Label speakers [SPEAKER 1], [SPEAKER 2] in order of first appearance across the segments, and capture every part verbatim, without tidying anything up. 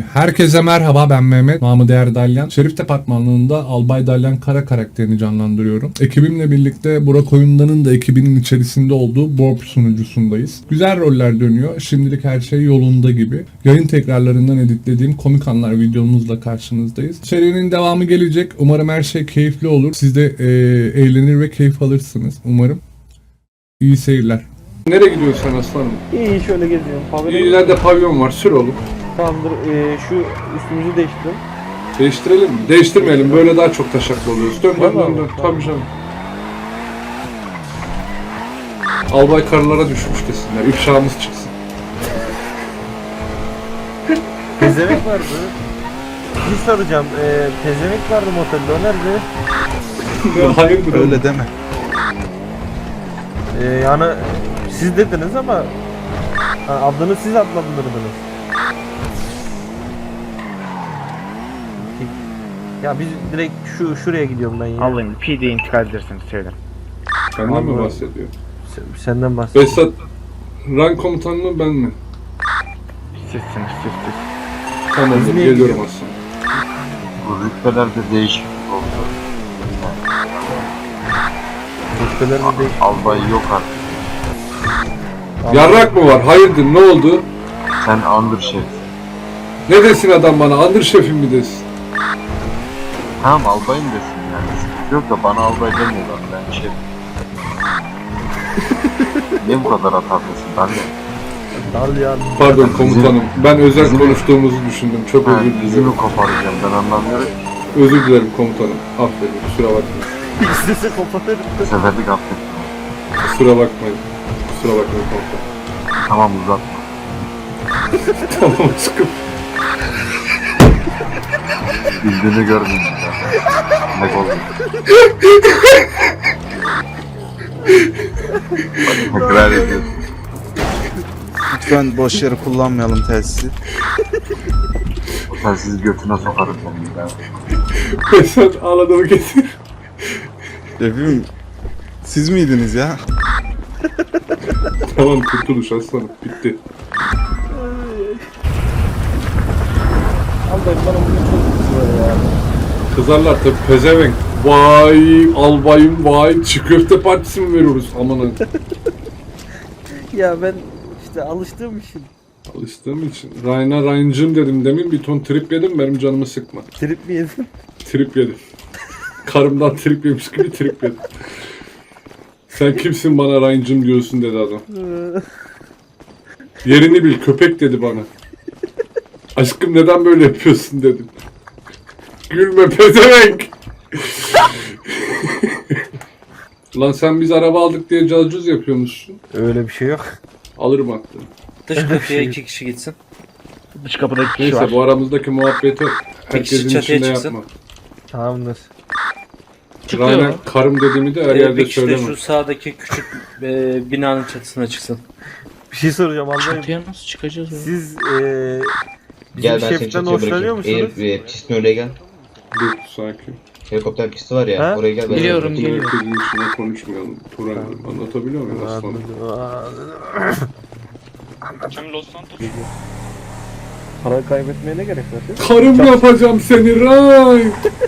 [SPEAKER 1] Herkese merhaba, ben Mehmet. Namı değer Dalyan. Şerif Departmanlığı'nda Albay Dalyan Kara karakterini canlandırıyorum. Ekibimle birlikte Burak Oyundan'ın da ekibinin içerisinde olduğu Borp sunucusundayız. Güzel roller dönüyor. Şimdilik her şey yolunda gibi. Yayın tekrarlarından editlediğim komik anlar videomuzla karşınızdayız. Serinin devamı gelecek. Umarım her şey keyifli olur. Siz de e, eğlenir ve keyif alırsınız. Umarım. İyi seyirler. Nereye gidiyorsun sen aslanım?
[SPEAKER 2] İyi, şöyle geziyorum. Pavyon.
[SPEAKER 1] İleride pavyon var. Sür oğlum.
[SPEAKER 2] Tamamdır. Ee, şu üstümüzü değiştirelim.
[SPEAKER 1] Değiştirelim mi? Değiştirmeyelim. Böyle daha çok taşaklı oluyoruz. Dön dön dön dön. Tabii canım. Albay karılara düşmüş desinler. İfşamız çıksın.
[SPEAKER 2] Pezevenk vardı. Bir soracağım. Ee, pezevenk vardı motelde. O nerede?
[SPEAKER 1] Hayırdır oğlum?
[SPEAKER 3] Öyle deme.
[SPEAKER 2] Ee, yani siz dediniz ama ha, adını siz adlandırdınız. Ya biz direkt şu şuraya gidiyorum ben ya.
[SPEAKER 4] Alayım. P D'ye intikal ederseniz sevinirim.
[SPEAKER 1] Senden mi
[SPEAKER 2] Vallahi-
[SPEAKER 1] bahsediyor?
[SPEAKER 2] Sen- Senden bahsediyorum.
[SPEAKER 1] Besat, rank komutan mı ben mi?
[SPEAKER 4] Sizsiniz siz siz.
[SPEAKER 1] Tamamdır,
[SPEAKER 2] Biz niye
[SPEAKER 1] geliyorum
[SPEAKER 2] gidiyoruz?
[SPEAKER 1] aslanım.
[SPEAKER 3] Bu rütbelerde değişiklik oldu.
[SPEAKER 2] Rütbeler mi değişti?
[SPEAKER 3] Albay yok artık.
[SPEAKER 1] Yarrak mı var? Hayırdır, ne oldu?
[SPEAKER 3] Sen andır şef.
[SPEAKER 1] Ne desin adam bana? Andır şefim mi desin?
[SPEAKER 3] Tamam albayım desin yani. Sıkıntı yok da bana albay demiyorlar. Ben şef. Niye bu kadar hatalısın? Ben de.
[SPEAKER 2] Dal ya.
[SPEAKER 1] Pardon komutanım, ben özel
[SPEAKER 3] Bizim-
[SPEAKER 1] konuştuğumuzu düşündüm. Çok
[SPEAKER 3] Ha,
[SPEAKER 1] özür
[SPEAKER 3] dizimi
[SPEAKER 1] dilerim.
[SPEAKER 3] koparacağım ben anlamıyorum.
[SPEAKER 1] Özür dilerim komutanım. Aferin, kusura bakmayın.
[SPEAKER 2] İstese kopatırım.
[SPEAKER 3] Bu seferlik affettim.
[SPEAKER 1] Kusura bakmayın. Kusura bakmayın komutanım.
[SPEAKER 3] Tamam uzatma.
[SPEAKER 1] Tamam aşkım.
[SPEAKER 3] Bildiğini gördüm ya. Ne oldu? Tekrar ediyorsun.
[SPEAKER 5] Lütfen boş yere kullanmayalım telsizi.
[SPEAKER 3] O telsizi götüne sokarım senin ya.
[SPEAKER 1] Besat ağladığımı getir.
[SPEAKER 5] Şefim, siz miydiniz ya?
[SPEAKER 1] Tamam kurtuluş aslanım, bitti.
[SPEAKER 2] Albay bana bugün çok kızıyor ya.
[SPEAKER 1] Kızarlar tabi, pezevenk. Vay albayım vay, çiğ köfte partisi mi veriyoruz aman ha.
[SPEAKER 2] Ya ben işte alıştığım için
[SPEAKER 1] Alıştığım için. Ryan'a Ryan'cım dedim demin, bir ton trip yedim, benim canımı sıkma.
[SPEAKER 2] trip mi yedim?
[SPEAKER 1] Trip yedim. Karımdan trip yemiş gibi trip yedim. Sen kimsin bana Ryan'cım diyorsun dedi adam. Yerini bil köpek dedi bana. Aşkım neden böyle yapıyorsun dedim. Gülme pezevenk. Lan sen biz araba aldık diye cazcuz yapıyormuşsun.
[SPEAKER 2] Öyle bir şey yok.
[SPEAKER 1] Alırım aklını.
[SPEAKER 6] Dış kapıya iki kişi gitsin.
[SPEAKER 4] Dış kapıda iki kişi
[SPEAKER 1] Neyse
[SPEAKER 4] var.
[SPEAKER 1] bu aramızdaki muhabbeti herkesin
[SPEAKER 6] çatıya
[SPEAKER 1] içinde
[SPEAKER 6] çıksın.
[SPEAKER 1] yapma.
[SPEAKER 2] Tamamdır.
[SPEAKER 1] Ryan'a karım dediğimi de her
[SPEAKER 6] Ee,
[SPEAKER 1] yerde
[SPEAKER 6] bir kişi de
[SPEAKER 1] söyleme.
[SPEAKER 6] şu sağdaki küçük e, binanın çatısına çıksın.
[SPEAKER 2] Bir şey soracağım albayım.
[SPEAKER 6] Çatıya nasıl çıkacağız ya?
[SPEAKER 2] Siz eee bizim
[SPEAKER 7] Gel ben seni
[SPEAKER 2] şeften
[SPEAKER 7] çatıya
[SPEAKER 2] hoşlanıyor
[SPEAKER 7] bırakayım.
[SPEAKER 2] musunuz?
[SPEAKER 7] Eğer e, pistin oraya gel.
[SPEAKER 1] Dur sakin.
[SPEAKER 7] Helikopter pisti var ya
[SPEAKER 2] Ha?
[SPEAKER 7] oraya gel. Ben
[SPEAKER 6] Biliyorum,
[SPEAKER 7] seni
[SPEAKER 6] geliyorum.
[SPEAKER 7] bırakayım.
[SPEAKER 1] Herkesin içinde konuşmayalım. Turan anlatabiliyor muyum aslanım?
[SPEAKER 2] Parayı kaybetmeye ne gerek var?
[SPEAKER 1] Karım yapacağım seni Ryan.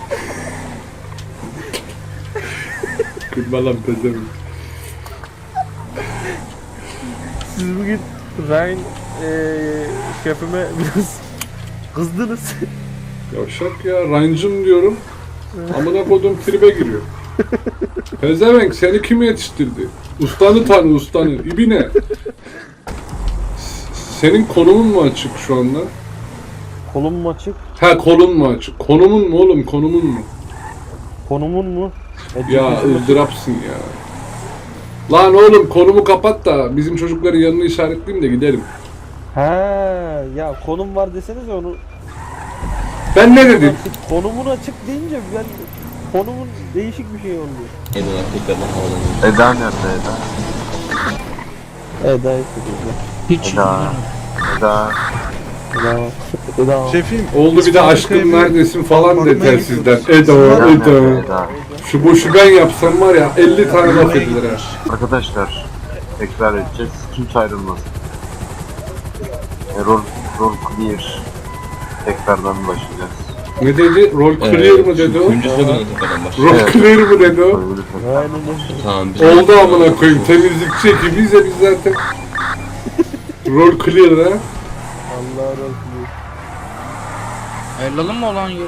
[SPEAKER 1] Gülme lan pezevenk.
[SPEAKER 2] Siz bugün Ryan eee şefime biraz kızdınız.
[SPEAKER 1] Yavşak ya, Ryan'cım diyorum. Amına kodum tribe giriyor. Pezevenk seni kim yetiştirdi? Ustanı tanı ustanı. İbine. S- Senin konumun mu açık şu anda?
[SPEAKER 2] Kolum mu açık?
[SPEAKER 1] Ha kolun mu açık? Konumun mu oğlum konumun mu?
[SPEAKER 2] Konumun mu? E,
[SPEAKER 1] Ya
[SPEAKER 2] çünkü-
[SPEAKER 1] ızdırapsın ya. Lan oğlum konumu kapat da bizim çocukların yanını işaretleyeyim de gidelim.
[SPEAKER 2] He ya konum var deseniz onu.
[SPEAKER 1] Ben ne dedim?
[SPEAKER 2] Konumun açık deyince ben konumun değişik bir şey oldu.
[SPEAKER 7] Eyvallah tekrardan havalanıyor.
[SPEAKER 3] Eda nerede Eda?
[SPEAKER 2] Eda istedi.
[SPEAKER 3] Eda. Eda.
[SPEAKER 2] Eda. Eda.
[SPEAKER 5] Şefim,
[SPEAKER 1] Oldu bir de aşkım neredesin falan de
[SPEAKER 5] Bakmaya
[SPEAKER 1] telsizden.
[SPEAKER 5] gidiyoruz.
[SPEAKER 1] Eda,
[SPEAKER 3] Eda nerede
[SPEAKER 1] Eda.
[SPEAKER 3] Eda?
[SPEAKER 1] Şu boşu ben yapsam var ya elli tane laf edilir ha.
[SPEAKER 3] Arkadaşlar tekrar edeceğiz. Kimse ayrılmasın. Error, rol clear. tekrardan başlayacağız.
[SPEAKER 1] Ne dedi? Rol clear mı dedi o?
[SPEAKER 7] Kuyumcu sloganı tekrardan başlıyor.
[SPEAKER 1] Rol clear mı dedi o?
[SPEAKER 3] Böyle
[SPEAKER 2] Aynen öyle.
[SPEAKER 7] Tamam biz
[SPEAKER 1] Oldu amına koyayım. Temizlikçi ekibiyiz ya biz zaten. Rol clear ha.
[SPEAKER 2] Allah razı olsun.
[SPEAKER 8] Ayrılalım mı olan yerini?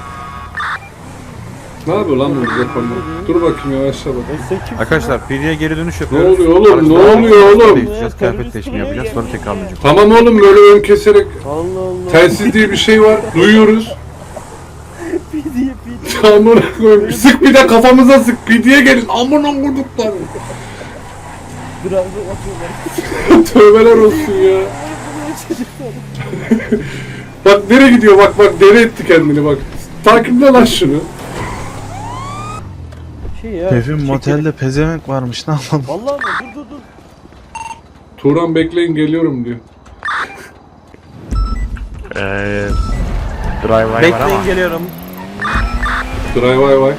[SPEAKER 1] Ne yapıyor lan bu yapanlar? Dur bakayım yavaşla bak.
[SPEAKER 2] E sen kimsin
[SPEAKER 5] Arkadaşlar Piri'ye geri dönüş
[SPEAKER 1] Ne
[SPEAKER 5] yapıyoruz.
[SPEAKER 1] oluyor oğlum? Ne
[SPEAKER 5] Araçları
[SPEAKER 1] oluyor oğlum?
[SPEAKER 5] değiştireceğiz, kıyafet değişimi yapacağız, sonra tekrarlayacağız.
[SPEAKER 1] Tamam oğlum böyle ön keserek
[SPEAKER 2] Allah Allah.
[SPEAKER 1] telsiz diye bir şey var. Duyuyoruz.
[SPEAKER 2] P diye P diye.
[SPEAKER 1] Amına koyayım. Sık bir de kafamıza sık. Pidiye gelin. Amına koyduklar.
[SPEAKER 2] Biraz da atıyorlar.
[SPEAKER 1] Tövbeler olsun ya. Bak nereye gidiyor bak bak deli etti kendini bak. Takiple lan şunu.
[SPEAKER 2] Şey ya.
[SPEAKER 5] Şefim
[SPEAKER 2] çekil-
[SPEAKER 5] motelde pezevenk varmış ne yapalım?
[SPEAKER 2] Vallahi mi? Dur dur dur.
[SPEAKER 1] Turan bekleyin geliyorum diyor.
[SPEAKER 4] Eee... Drive var ama.
[SPEAKER 2] Bekleyin geliyorum.
[SPEAKER 1] Drive vay vay.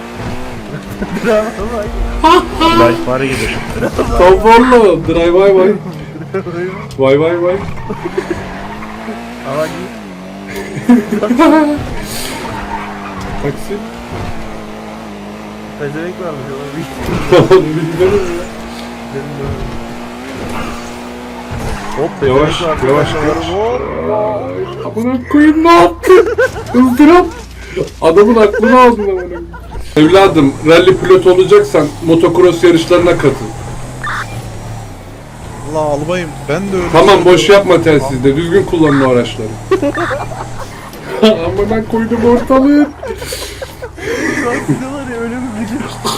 [SPEAKER 4] Drive var gidiyor.
[SPEAKER 1] Konforlu. Drive vay vay. Vay vay vay.
[SPEAKER 2] Ama git.
[SPEAKER 1] Taksi.
[SPEAKER 2] Pezevenk varmış ona bir.
[SPEAKER 1] Tamam bir gidelim ya.
[SPEAKER 2] Hop
[SPEAKER 1] Yavaş
[SPEAKER 2] pezevenk varmış.
[SPEAKER 1] yavaş
[SPEAKER 2] Ben de
[SPEAKER 1] yavaş.
[SPEAKER 2] varım. Hop.
[SPEAKER 1] Amına koyayım ne yaptın? Izdırap. Adamın aklını aldın amına koyayım. Evladım rally pilot olacaksan motocross yarışlarına katıl.
[SPEAKER 5] Allah albayım ben de öyle.
[SPEAKER 1] Tamam boş yapma telsizde düzgün kullanın o araçları. Amına koydum ortalığı.
[SPEAKER 2] Diyorlar ya öyle mi bir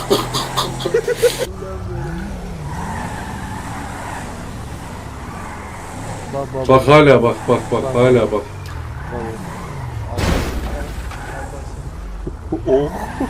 [SPEAKER 2] Bak bak
[SPEAKER 1] Bak hala bak bak bak hala bak.
[SPEAKER 2] Oh.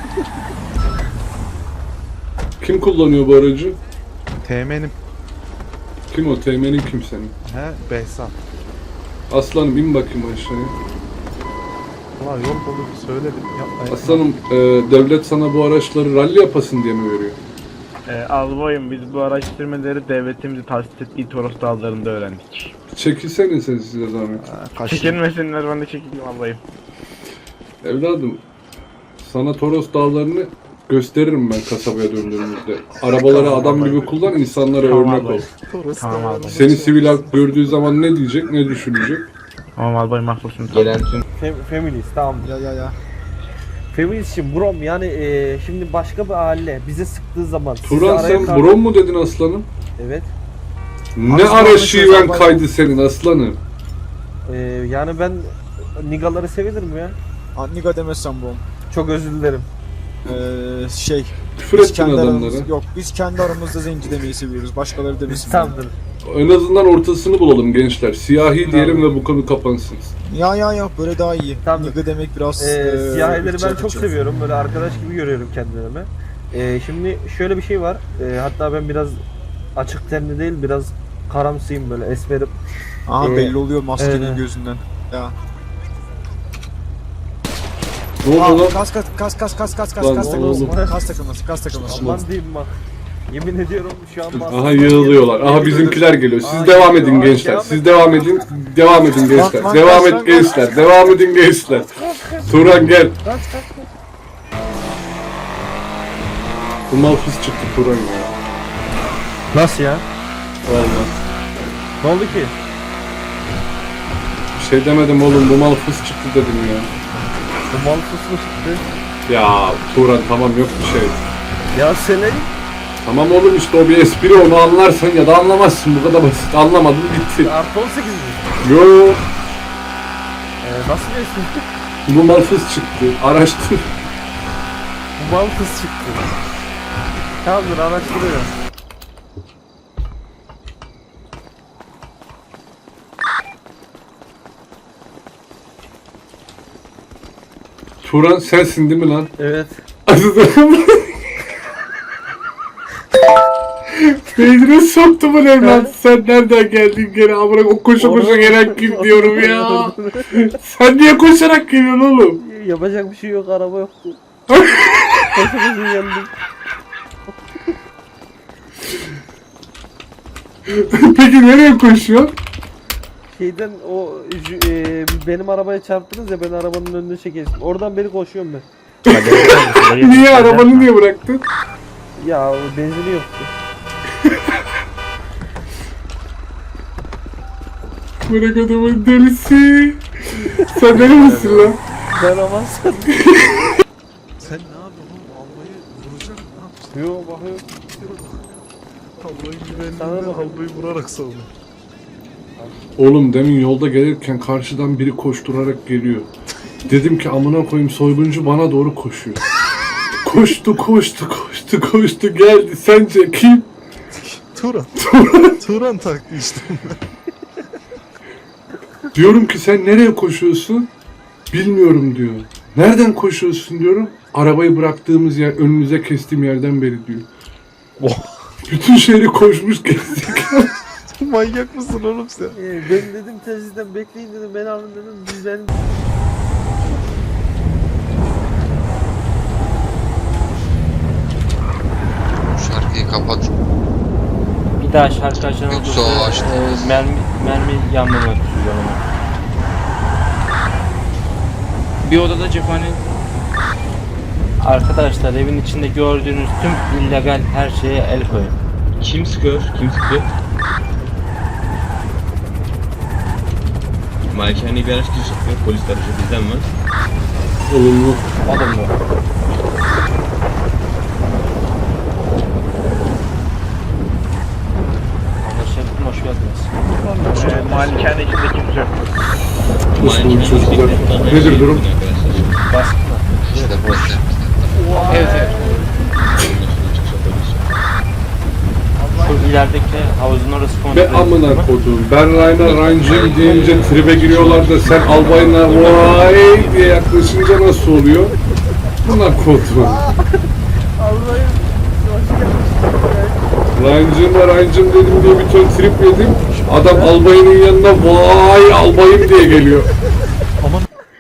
[SPEAKER 1] Kim kullanıyor bu aracı?
[SPEAKER 5] Teğmenim.
[SPEAKER 1] Kim o? Teğmenin kim senin?
[SPEAKER 5] He Behzat.
[SPEAKER 1] Aslanım in bakayım aşağıya.
[SPEAKER 5] Allah yol bulup söyledim yapmayın.
[SPEAKER 1] Aslanım e, devlet sana bu araçları rally yapasın diye mi veriyor?
[SPEAKER 4] Eee albayım biz bu araştırmaları devletimizi tahsis ettiği Toros dağlarında öğrendik.
[SPEAKER 1] Çekilsene sen size zahmet.
[SPEAKER 4] Çekilmesinler ben de çekileyim albayım.
[SPEAKER 1] Evladım sana Toros dağlarını gösteririm ben kasabaya döndüğümüzde. Arabaları adam gibi kullan insanlara
[SPEAKER 4] Tamam
[SPEAKER 1] örnek
[SPEAKER 4] abi.
[SPEAKER 1] ol.
[SPEAKER 4] Tamam albayım.
[SPEAKER 1] Seni sivil halk gördüğü zaman ne diyecek ne düşünecek?
[SPEAKER 4] Tamam albayım haklısın.
[SPEAKER 7] gelen tüm
[SPEAKER 2] Fem feminist tamam. Ya ya ya. Feminist şimdi brom yani e, şimdi başka bir aile bize sıktığı zaman sizi
[SPEAKER 1] Turan
[SPEAKER 2] araya
[SPEAKER 1] sen
[SPEAKER 2] kal-
[SPEAKER 1] brom mu dedin aslanım?
[SPEAKER 2] Evet.
[SPEAKER 1] Ne ara şiven kaydı senin aslanım?
[SPEAKER 2] E, yani ben nigaları sevilir ya?
[SPEAKER 9] Annika demezsem bu.
[SPEAKER 2] Çok özür dilerim.
[SPEAKER 9] Ee, şey.
[SPEAKER 1] Küfür
[SPEAKER 9] Biz
[SPEAKER 1] ettin
[SPEAKER 9] kendi
[SPEAKER 1] adamlara.
[SPEAKER 9] aramızda, yok biz kendi aramızda zenci demeyi seviyoruz. Başkaları demesin.
[SPEAKER 2] Tamamdır.
[SPEAKER 1] En azından ortasını bulalım gençler. Siyahi diyelim ve bu konu kapansın.
[SPEAKER 9] Ya ya ya böyle daha iyi.
[SPEAKER 2] Tamam.
[SPEAKER 9] Nika demek biraz...
[SPEAKER 2] Ee,
[SPEAKER 9] ee,
[SPEAKER 2] siyahileri ben
[SPEAKER 9] ırkçı,
[SPEAKER 2] çok
[SPEAKER 9] ırkçı.
[SPEAKER 2] seviyorum. Böyle arkadaş gibi görüyorum kendilerime. Ee, şimdi şöyle bir şey var. Ee, hatta ben biraz açık tenli değil, biraz karamsıyım böyle esmerim.
[SPEAKER 9] Aha
[SPEAKER 2] Ee,
[SPEAKER 9] belli oluyor maskenin
[SPEAKER 2] evet.
[SPEAKER 9] gözünden. Ya.
[SPEAKER 1] Ne oldu lan?
[SPEAKER 9] Aa, kas kas kas kas kas kas kas
[SPEAKER 1] Lan
[SPEAKER 9] kas takılması.
[SPEAKER 1] oğlum.
[SPEAKER 9] Kas takılması kas takılması.
[SPEAKER 2] Aman diyeyim bak. Yemin ediyorum şu an bas.
[SPEAKER 1] Aha yığılıyorlar. Aha bizimkiler geliyor. Siz
[SPEAKER 2] Aa,
[SPEAKER 1] devam
[SPEAKER 2] geliyor.
[SPEAKER 1] edin
[SPEAKER 2] Aa,
[SPEAKER 1] gençler.
[SPEAKER 2] devam
[SPEAKER 1] Siz
[SPEAKER 2] et.
[SPEAKER 1] devam edin. Devam edin gençler.
[SPEAKER 9] Lan,
[SPEAKER 1] Devam
[SPEAKER 9] lan,
[SPEAKER 1] et
[SPEAKER 9] lan,
[SPEAKER 1] gençler. Devam edin gençler. Turan gel.
[SPEAKER 2] Kaç kaç kaç.
[SPEAKER 1] Bu malfız çıktı Turan ya.
[SPEAKER 2] Nasıl ya?
[SPEAKER 1] Vallahi.
[SPEAKER 2] Ne oldu ki?
[SPEAKER 1] Bir şey demedim oğlum. Bu malfız çıktı dedim ya.
[SPEAKER 2] Bu mal fısmı çıktı.
[SPEAKER 1] Ya Turan tamam yok bir şey.
[SPEAKER 2] Ya senin
[SPEAKER 1] Tamam oğlum işte o bir espri onu anlarsan ya da anlamazsın. Bu kadar basit. Anlamadın bitti.
[SPEAKER 2] artı on sekiz mi?
[SPEAKER 1] Yo.
[SPEAKER 2] Ee, nasıl bir isim?
[SPEAKER 1] Bu malfız çıktı. Araştır.
[SPEAKER 2] Bu mal fıs çıktı. Tamamdır araştırıyorum.
[SPEAKER 1] Turan sensin değil mi lan?
[SPEAKER 2] Evet.
[SPEAKER 1] Beynine soktu bu evlat. Sen nereden geldin gene amına o koşa koşa gelen kim diyorum ya. Sen niye koşarak geliyorsun oğlum?
[SPEAKER 2] Yapacak bir şey yok, araba yoktu. Koşa koşa geldim.
[SPEAKER 1] Peki nereye koşuyorsun?
[SPEAKER 2] şeyden o jü- e, benim arabaya çarptınız ya, ben arabanın önüne çekildim. Oradan beri koşuyorum ben.
[SPEAKER 1] Niye arabanı niye bıraktın?
[SPEAKER 2] Ya benzini yoktu.
[SPEAKER 1] Bırak adamın delisi. Sen deli misin lan?
[SPEAKER 2] Ben aman
[SPEAKER 5] Sen ne yapıyorsun oğlum? Albayı vuracak mı? Ne yapacaksın?
[SPEAKER 2] Yo bakıyor.
[SPEAKER 5] Albayın
[SPEAKER 2] Sana
[SPEAKER 5] güvenliğinden
[SPEAKER 2] bakın.
[SPEAKER 5] albayı vurarak savun.
[SPEAKER 1] Oğlum demin yolda gelirken karşıdan biri koşturarak geliyor. Dedim ki amına koyayım soyguncu bana doğru koşuyor. Koştu koştu koştu koştu geldi. Sence kim?
[SPEAKER 5] Turan. Turan taktı işte.
[SPEAKER 1] Diyorum ki sen nereye koşuyorsun? Bilmiyorum diyor. Nereden koşuyorsun diyorum. Arabayı bıraktığımız yer önünüze kestiğim yerden beri diyor. Bütün şehri koşmuş gezdik.
[SPEAKER 5] Manyak mısın oğlum sen?
[SPEAKER 2] Ee, ben dedim telsizden bekleyin dedim, beni alın dedim. Biz benim
[SPEAKER 8] Şarkıyı kapat.
[SPEAKER 6] Bir daha şarkı açan
[SPEAKER 8] Yoksa
[SPEAKER 6] olursa
[SPEAKER 8] o açtı.
[SPEAKER 6] e, mermi, mermi yanmamak üzere.
[SPEAKER 9] Bir odada cephane.
[SPEAKER 6] Arkadaşlar evin içinde gördüğünüz tüm illegal her şeye el koyun.
[SPEAKER 7] Kim sıkıyor? Kim sıkıyor? Malikaneye bir araç giriş yapıyor. Polis aracı bizden var.
[SPEAKER 1] Olumlu.
[SPEAKER 6] Alın mı? Anlaşıldı, hoş geldiniz.
[SPEAKER 4] Ee, malikane içinde kimse yok.
[SPEAKER 1] Nasıl
[SPEAKER 7] Malikaneye
[SPEAKER 1] çocuklar?
[SPEAKER 7] gittikten sonra
[SPEAKER 1] Nedir
[SPEAKER 7] şey
[SPEAKER 1] durum?
[SPEAKER 7] yapın arkadaşlar.
[SPEAKER 6] Baskın mı?
[SPEAKER 8] İşte bu işte.
[SPEAKER 9] Evet evet.
[SPEAKER 6] Şu ilerideki havuzun orası kontrol
[SPEAKER 1] Ve amına koduğum. Ben Rayna Rancım deyince tribe giriyorlar da sen albayına vay diye yaklaşınca nasıl oluyor? Buna koduğum.
[SPEAKER 2] Allah'ım hoş geldin.
[SPEAKER 1] Rancım'la Rancım dedim diye bir ton trip yedim. Adam albayının yanına vay albayım diye geliyor.
[SPEAKER 5] Aman.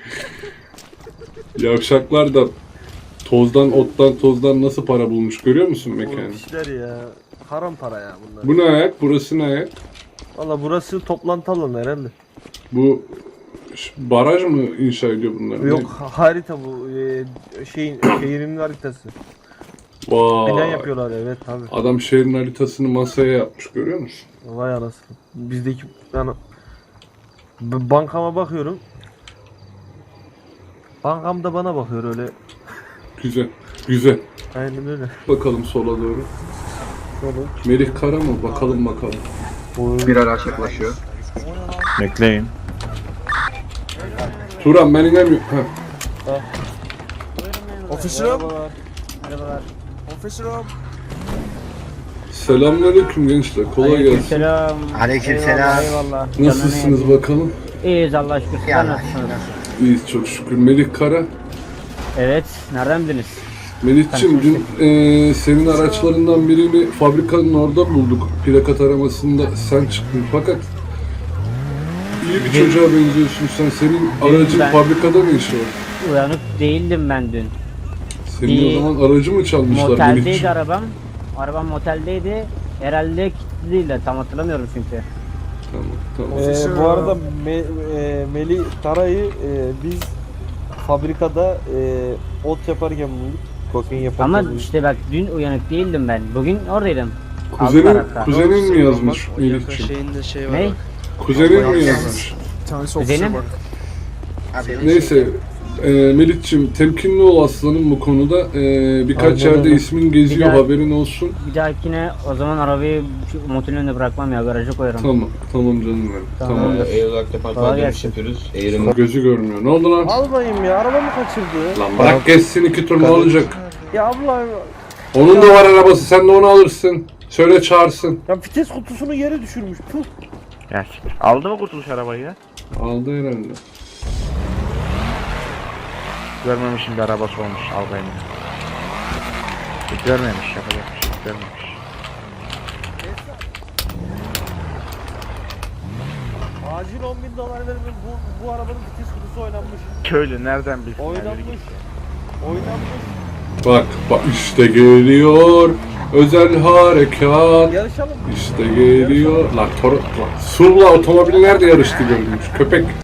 [SPEAKER 1] Yavşaklar da tozdan, ottan, tozdan nasıl para bulmuş görüyor musun
[SPEAKER 2] Bu
[SPEAKER 1] mekanı?
[SPEAKER 2] işler ya. Haram para ya bunlar.
[SPEAKER 1] Bu ne ayak? Burası ne ayak?
[SPEAKER 2] Valla burası toplantı alanı herhalde.
[SPEAKER 1] Bu ş- baraj mı inşa ediyor bunlar?
[SPEAKER 2] Yok ha- harita bu e, şeyin şehrin haritası.
[SPEAKER 1] Ne? Vay.
[SPEAKER 2] Plan yapıyorlar, evet tabi.
[SPEAKER 1] Adam şehrin haritasını masaya yapmış görüyor musun?
[SPEAKER 2] Vay anasını. Bizdeki yani b- bankama bakıyorum. Bankam da bana bakıyor öyle.
[SPEAKER 1] Güzel. Güzel.
[SPEAKER 2] Aynen öyle.
[SPEAKER 1] Bakalım sola doğru.
[SPEAKER 2] Oğlum.
[SPEAKER 1] Melih Kara mı? Bakalım bakalım.
[SPEAKER 3] Bir araç yaklaşıyor.
[SPEAKER 4] Bekleyin.
[SPEAKER 1] Turan ben inemiyorum. Heh.
[SPEAKER 9] Official.
[SPEAKER 2] Merhabalar. Merhabalar.
[SPEAKER 9] Official.
[SPEAKER 1] Selamünaleyküm gençler. Kolay gelsin.
[SPEAKER 10] Selam.
[SPEAKER 8] Aleykümselam.
[SPEAKER 10] Eyvallah.
[SPEAKER 1] Nasılsınız bakalım?
[SPEAKER 10] İyiyiz Allah şükür. Sizler nasılsınız?
[SPEAKER 1] İyiyiz çok şükür. Melih Kara.
[SPEAKER 10] Evet. Nereden bildiniz?
[SPEAKER 1] Melih'ciğim dün eee, senin araçlarından birini fabrikanın orada bulduk. Plakat aramasında sen çıktın fakat iyi bir çocuğa benziyorsun sen. Senin aracın
[SPEAKER 10] ben-
[SPEAKER 1] fabrikada ne işi var?
[SPEAKER 10] Uyanık değildim ben dün.
[SPEAKER 1] Senin
[SPEAKER 10] Bir
[SPEAKER 1] o zaman aracı mı çalmışlar
[SPEAKER 10] Moteldeydi
[SPEAKER 1] Melih'ciğim?
[SPEAKER 10] arabam. Arabam moteldeydi. Herhalde kilitli değil de tam hatırlamıyorum çünkü.
[SPEAKER 1] Tamam tamam.
[SPEAKER 2] Ee, bu arada Me, e, Melih Tara'yı e, biz fabrikada e, ot yaparken bulduk. Kokain yaparken
[SPEAKER 10] Ama
[SPEAKER 2] bulduk.
[SPEAKER 10] işte bak dün uyanık değildim ben. Bugün oradaydım.
[SPEAKER 1] Kuzenin,
[SPEAKER 10] Aldılar hatta.
[SPEAKER 1] kuzenin mi yazmış Melih'ciğim?
[SPEAKER 8] Şeyinde şey
[SPEAKER 10] Ne?
[SPEAKER 1] Kuzenin mi yazmış?
[SPEAKER 9] Bir tanesi
[SPEAKER 10] Kuzenim?
[SPEAKER 9] official bak.
[SPEAKER 1] Neyse e, Melih'ciğim temkinli ol aslanım bu konuda. E, birkaç
[SPEAKER 2] Aynen
[SPEAKER 1] yerde
[SPEAKER 2] öyle.
[SPEAKER 1] ismin geziyor
[SPEAKER 10] Bir daha-
[SPEAKER 1] haberin olsun.
[SPEAKER 10] Bir dahakine o zaman arabayı şu motelin önüne bırakmam ya. Garaja koyarım.
[SPEAKER 1] Tamam tamam canım benim.
[SPEAKER 10] Tamam.
[SPEAKER 1] Tamam.
[SPEAKER 7] Ee, Eğer olarak departman
[SPEAKER 10] Kolay
[SPEAKER 7] dönüş
[SPEAKER 10] gelsin.
[SPEAKER 7] yapıyoruz. Eğerim
[SPEAKER 1] Gözü görmüyor. Ne oldu lan?
[SPEAKER 2] Albayım ya, arabamı kaçırdı.
[SPEAKER 1] Lan bırak geçsin iki tur ne olacak?
[SPEAKER 2] Ya abla,
[SPEAKER 1] Onun da var arabası sen de onu alırsın. Söyle çağırsın.
[SPEAKER 2] ya vites kutusunu yere düşürmüş. Puh.
[SPEAKER 4] Gerçekten. Aldı mı kurtuluş arabayı ya?
[SPEAKER 1] Aldı herhalde.
[SPEAKER 4] Görmemişim bir arabası olmuş albayım. Görmemiş yapacak bir şey görmemiş.
[SPEAKER 2] Acil on bin dolar verin, bu, bu arabanın vites kutusu oynanmış.
[SPEAKER 4] Köylü nereden bilsin?
[SPEAKER 2] Oynanmış. Oynanmış.
[SPEAKER 1] Bak bak işte geliyor. Özel harekat
[SPEAKER 2] Yarışalım mı?
[SPEAKER 1] işte geliyor. Lan Toro... Lan, Sur'la otomobili nerede yarıştı görülmüş köpek.